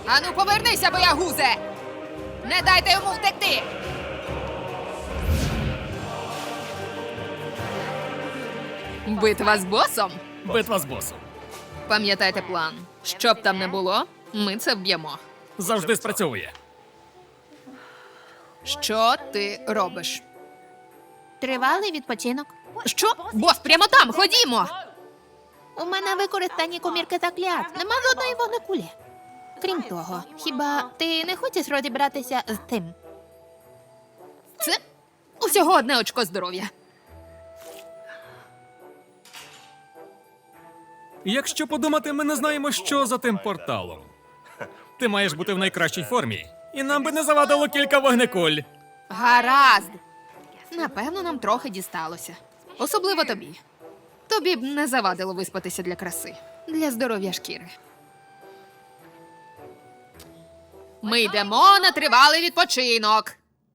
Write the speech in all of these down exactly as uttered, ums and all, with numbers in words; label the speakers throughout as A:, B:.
A: Ану, повернися, боягузе! Не дайте йому втекти! Битва з босом?
B: Битва з босом.
A: Пам'ятайте план. Що б там не було, ми це вб'ємо.
B: Завжди спрацьовує.
A: Що ти робиш?
C: Тривалий відпочинок.
A: Що? Бос, прямо там, ходімо!
C: У мене використані комірки заклят. Нема жодної вогнекулі. Крім того, хіба ти не хочеш розібратися з тим?
A: Це усього одне очко здоров'я.
B: Якщо подумати, ми не знаємо, що за тим порталом. Ти маєш бути в найкращій формі, і нам би не завадило кілька вогнекуль.
A: Гаразд. Напевно, нам трохи дісталося. Особливо тобі. Тобі б не завадило виспатися для краси. Для здоров'я шкіри. Ми йдемо на тривалий відпочинок.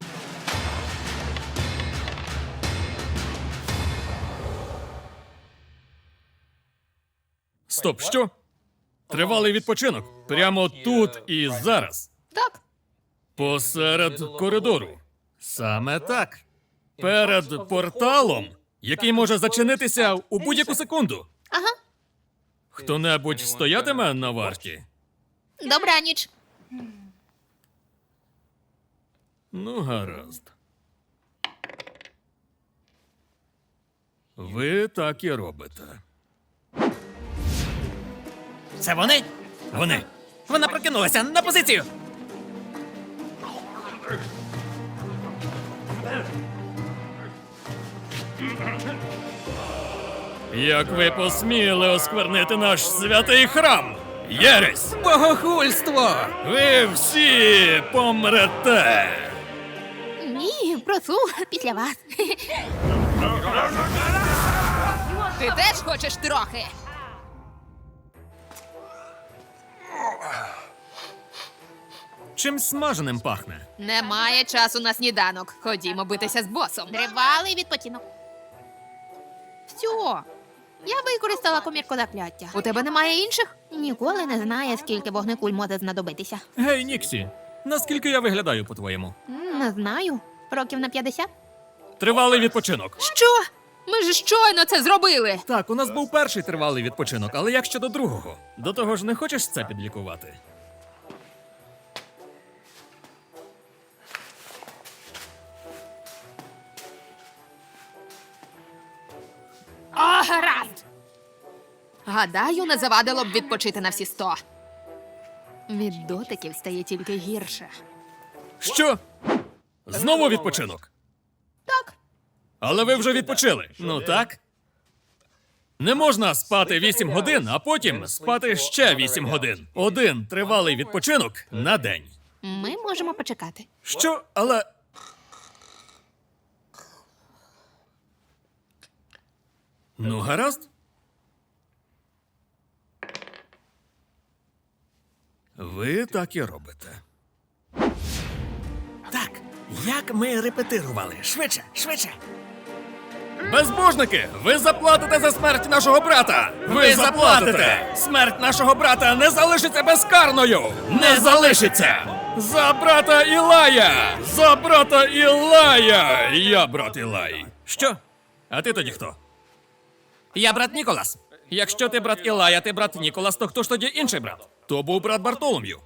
B: Стоп, що? Тривалий відпочинок. Прямо тут і зараз.
A: Так.
B: Посеред коридору. Саме так. Перед порталом, який може зачинитися у будь-яку секунду.
C: Ага.
B: Хто-небудь стоятиме на варті?
C: Добраніч.
B: Ну, гаразд. Ви так і робите.
D: Це вони?
B: Вони.
D: Вона прокинулася на позицію.
B: Як ви посміли осквернити наш святий храм? Єресь!
D: Богохульство!
B: Ви всі помрете!
C: Ні, прошу, після вас.
A: Ти теж хочеш трохи?
B: Чим смаженим пахне?
A: Немає часу на сніданок. Ходімо битися з босом.
C: Тривалий відпочинок. Все. Я використала комірку закляття.
A: У тебе немає інших?
C: Ніколи не знає, скільки вогнекуль може знадобитися.
B: Гей, Ніксі, наскільки я виглядаю, по-твоєму?
C: М, Не знаю. Років на п'ятдесят?
B: Тривалий відпочинок.
A: Що? Ми ж щойно це зробили.
B: Так, у нас був перший тривалий відпочинок, але як щодо другого? До того ж, не хочеш це підлікувати?
A: О, гаразд! Гадаю, не завадило б відпочити на всі сто. Від дотиків стає тільки гірше.
B: Що? Знову відпочинок?
A: Так.
B: Але ви вже відпочили. Ну так? Не можна спати вісім годин, а потім спати ще вісім годин. Один тривалий відпочинок на день.
C: Ми можемо почекати.
B: Що? Але. Ну, гаразд. Ви так і робите.
D: Так, як ми репетирували. Швидше, швидше.
B: Безбожники, ви заплатите за смерть нашого брата! Ви заплатите! Смерть нашого брата не залишиться безкарною! Не залишиться! За брата Ілая! За брата Ілая! Я брат Ілай. Що? А ти тоді хто?
D: Я брат Ніколас.
B: Якщо ти брат Ілая, ти брат Ніколас, то хто ж тоді інший брат? То був брат Бартолом'ю.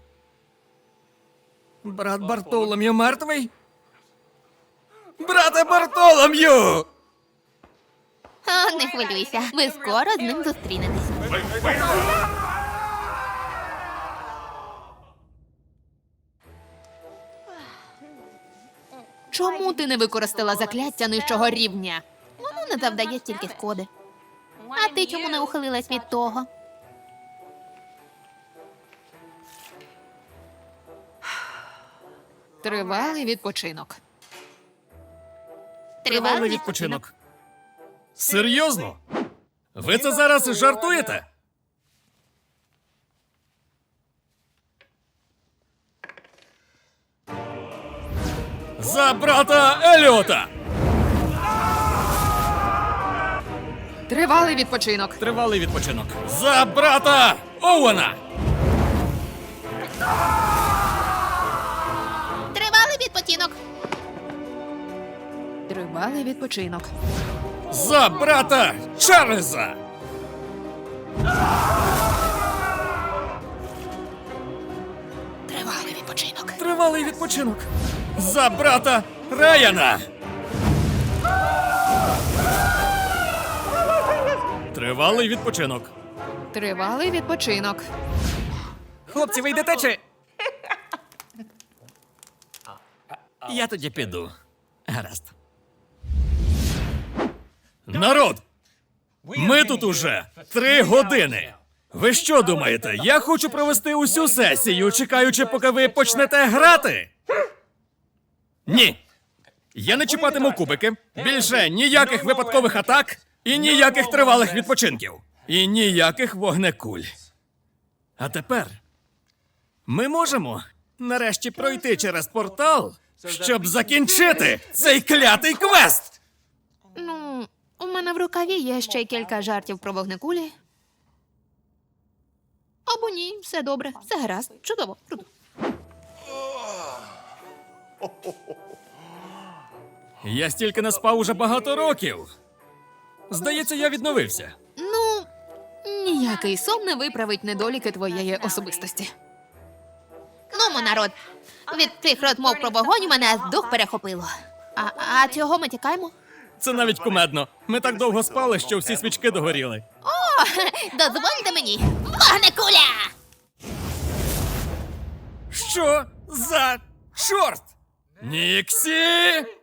B: Брат Бартолом'ю мертвий? Брате Бартолом'ю!
C: О, не хвилюйся. Ви скоро з ним зустрінетесь.
A: Чому ти не використала закляття нижчого рівня?
C: Воно не завдає стільки шкоди. А ти чому не ухилилась від того?
A: Тривалий відпочинок.
C: Тривалий
B: відпочинок. Серйозно? Ви це зараз жартуєте? За брата Еліота!
A: Тривалий відпочинок.
B: Тривалий відпочинок. За брата Оуена!
C: Тривалий відпочинок.
A: Тривалий відпочинок.
B: За брата Чарльза!
C: Тривалий відпочинок.
B: Тривалий відпочинок. За брата Райана! Тривалий відпочинок.
A: Тривалий відпочинок.
D: Хлопці, ви йдете чи? Я тоді піду. Гаразд.
B: Народ! Ми тут уже три години. Ви що думаєте? Я хочу провести усю сесію, чекаючи, поки ви почнете грати? Ні. Я не чіпатиму кубики. Більше ніяких випадкових атак і ніяких тривалих відпочинків. І ніяких вогнекуль. А тепер ми можемо нарешті пройти через портал, щоб закінчити цей клятий квест.
A: Ну, у мене в рукаві є ще кілька жартів про вогнекулі. Або ні, все добре, все гаразд, чудово, круто.
B: Я стільки не спав уже багато років. Здається, я відновився.
A: Ну, ніякий сон не виправить недоліки твоєї особистості.
C: Нумо, народ. Від тих розмов про вогонь у мене аж дух перехопило. А, а чого ми тікаємо?
B: Це навіть кумедно. Ми так довго спали, що всі свічки догоріли.
C: О, дозвольте мені. Вогнекуля!
B: Що за чорт? Ніксі!